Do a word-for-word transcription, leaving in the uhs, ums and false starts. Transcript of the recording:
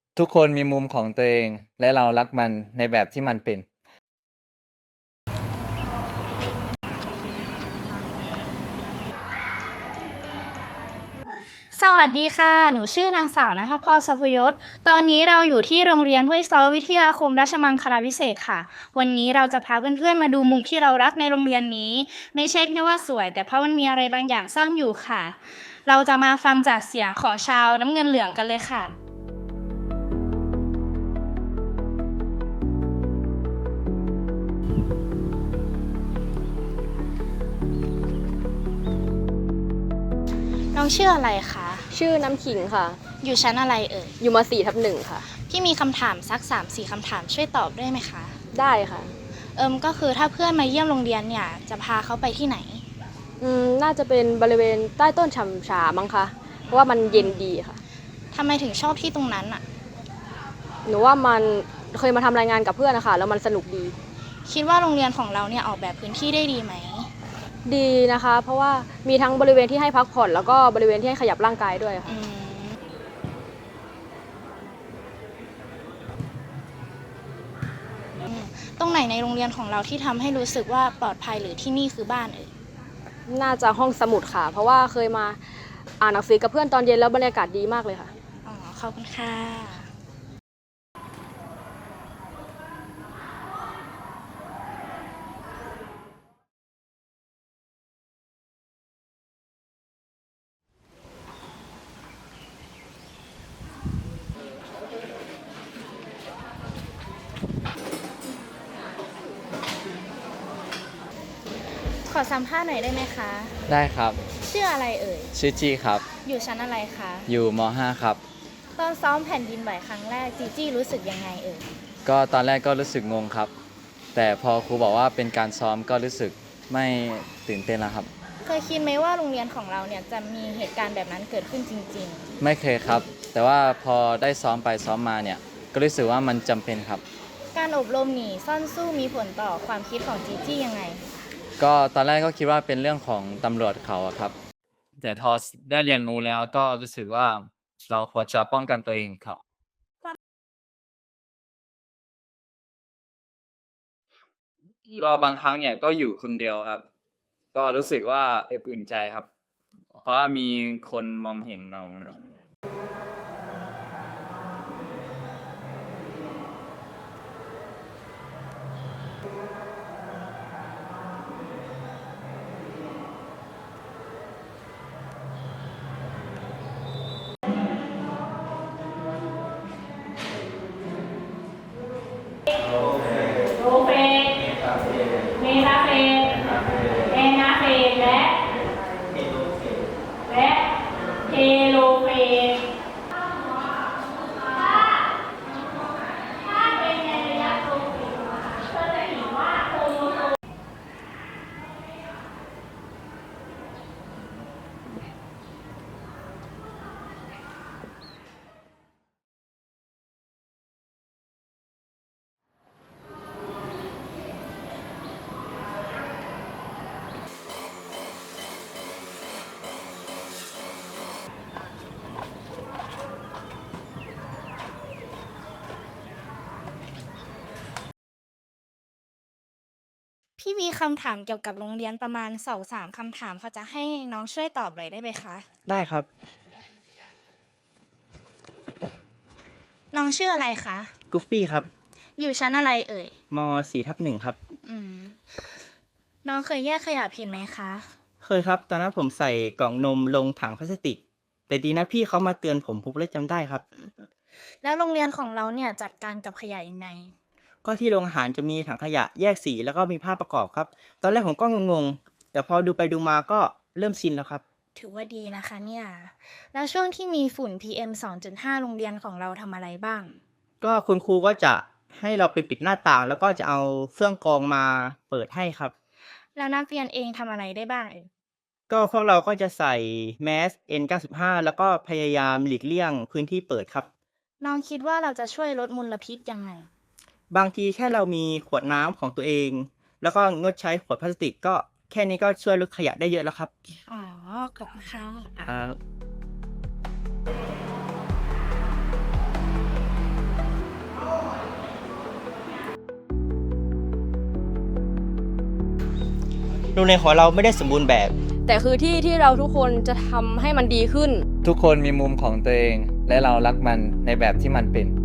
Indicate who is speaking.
Speaker 1: ทุกคนมีมุมของตัวเองและเรารักมันในแบบที่มันเป็น
Speaker 2: สวัสดีค่ะ หนูชื่อนางสาวณภพร ทรัพยศ ตอนนี้เราอยู่ที่โรงเรียนห้วยซ้อวิทยาคมราชมังคลาภิเษกค่ะ วันนี้เราจะพาเพื่อนๆมาดูมุมที่เรารักในโรงเรียนนี้ ไม่ใช่แค่ว่าสวย แต่เพราะมันมีอะไรบางอย่างซ่อนอยู่ค่ะ เราจะมาฟังจากเสียงของชาวน้ำเงินเหลืองกันเลยค่ะ น้องชื่ออะไรคะ
Speaker 3: ชื่อน้ำขิงค่ะ
Speaker 2: อยู่ชั้นอะไรเอ่ย
Speaker 3: อยู่มาสี่ทับหนึ่งค่ะ
Speaker 2: พี่มีคำถามสัก สามสี่ คำถามช่วยตอบได้ไหมคะ
Speaker 3: ได้ค่ะ
Speaker 2: เอิมก็คือถ้าเพื่อนมาเยี่ยมโรงเรียนเนี่ยจะพาเขาไปที่ไหน
Speaker 3: อืม น่าจะเป็นบริเวณใต้ต้นฉ่ำชามั้งคะ เพราะว่ามันเย็นดีค่ะ
Speaker 2: ทำไมถึงชอบที่ตรงนั้นอะ
Speaker 3: หนูว่ามันเคยมาทำรายงานกับเพื่อนนะคะแล้วมันสนุกดี
Speaker 2: คิดว่าโรงเรียนของเราเนี่ยออกแบบพื้นที่ได้ดีไหม
Speaker 3: ดีนะคะ เพราะว่ามีทั้งบริเวณที่ให้พักผ่อนแล้วก็บริเวณที่ให้ขยับร่างกายด้วยค่ะ
Speaker 2: อืมอืมตรงไหนในโรงเรียนของเราที่ทำให้รู้สึกว่าปลอดภัยหรือที่นี่คือบ้านเอ่ย
Speaker 3: น่าจะห้องสมุดค่ะ เพราะว่าเคยมาอ่านหนังสือกับเพื่อนตอนเย็นแล้วบรรยากาศดีมากเลยค่ะ
Speaker 2: อ๋อ ขอบคุณค่ะ ขอสัมภาษณ์หน่อยได้ไหมคะ
Speaker 1: ได้ครับ
Speaker 2: ชื่ออะไรเอ่ย
Speaker 1: ชื่อจี้ครับ
Speaker 2: อยู่ชั้นอะไรคะ
Speaker 1: อยู่ม .ห้า ครับ
Speaker 2: ตอนซ้อมแผ่นดินไหวครั้งแรกจีจี้รู้สึกยังไงเอ่ย
Speaker 1: ก็ตอนแรกก็รู้สึกงงครับ แต่พอครูบอกว่าเป็นการซ้อมก็รู้สึกไม่ตื่นเต้นแล้วครับ
Speaker 2: เคยคิดไหมว่าโรงเรียนของเราเนี่ยจะมีเหตุการณ์แบบนั้นเกิดขึ้นจริง
Speaker 1: ไม่เคยครับ แต่ว่าพอได้ซ้อมไปซ้อมมาเนี่ยก็รู้สึกว่ามันจำเป็นครับ
Speaker 2: ๆ การอบรมหนีซ่อนสู้มีผลต่อความคิดของจีจี้ยังไง
Speaker 1: ก็ตอนแรกก็คิดว่าเป็นเรื่องของตำรวจเขาอะครับ แต่พอได้เรียนรู้แล้วก็รู้สึกว่าเราควรจะป้องกันตัวเองครับก็บางครั้งเนี่ยก็อยู่คนเดียวครับ ก็รู้สึกว่าอบอุ่นใจครับ เพราะว่ามีคนมองเห็นเรา
Speaker 2: โรเฟนเมทาเฟนแอนาเฟนและและเทโลเฟนถ้าเป็นในระยะโรเฟนเธอจะเห็นว่าโครโมโซม พี่มีคำถามเกี่ยวกับโรงเรียนประมาณสองสามคำถามเขาจะให้น้องช่วยตอบเลยได้ไหมคะ
Speaker 4: ได้ครับ
Speaker 2: น้องชื่ออะไรคะ
Speaker 4: กุฟฟี่ครับ
Speaker 2: อยู่ชั้นอะไรเอ่ย
Speaker 4: มสี่ทับหนึ่งครับ
Speaker 2: อืม น้องเคยแยกขยะผิดไหมคะ
Speaker 4: เคยครับ ตอนนั้นผมใส่กล่องนมลงถังพลาสติก แต่ดีนะพี่เขามาเตือนผมผมเลยจำได้ครับ
Speaker 2: แล้วโรงเรียนของเราเนี่ยจัดการกับขยะยังไง
Speaker 4: ก็ที่โรงอาหารจะมีถังขยะแยกสีแล้วก็มีภาพประกอบครับ ตอนแรกผมก็งงๆ แต่พอดูไปดูมาก็เริ่มชินแล้วครับ
Speaker 2: ถือว่าดีนะคะเนี่ย แล้วช่วงที่มีฝุ่น พี เอ็ม สองจุดห้า โรงเรียนของเราทำอะไรบ้าง
Speaker 4: ก็คุณครูก็จะให้เราไปปิดหน้าต่าง แล้วก็จะเอาเครื่องกรองมาเปิดให้ครับ
Speaker 2: แล้วนักเรียนเองทำอะไรได้บ้างเอ่ย
Speaker 4: ก็พวกเราก็จะใส่แมส เอ็น เก้าสิบห้า แล้วก็พยายามหลีกเลี่ยงพื้นที่เปิดครับ
Speaker 2: น้องคิดว่าเราจะช่วยลดมลพิษยังไง
Speaker 4: บางทีแค่เรามีขวดน้ำของตัวเอง แล้วก็งดใช้ขวดพลาสติกก็แค่นี้ก็ช่วยลดขยะได้เยอะแล้วครับ
Speaker 2: อ๋อ ขอบคุณค่ะ
Speaker 4: ครับโรงเรียนของเราไม่ได้สมบูรณ์แบบ
Speaker 3: แต่คือที่ที่เราทุกคนจะทำให้มันดีขึ้น
Speaker 1: ทุกคนมีมุมของตัวเอง และเรารักมันในแบบที่มันเป็น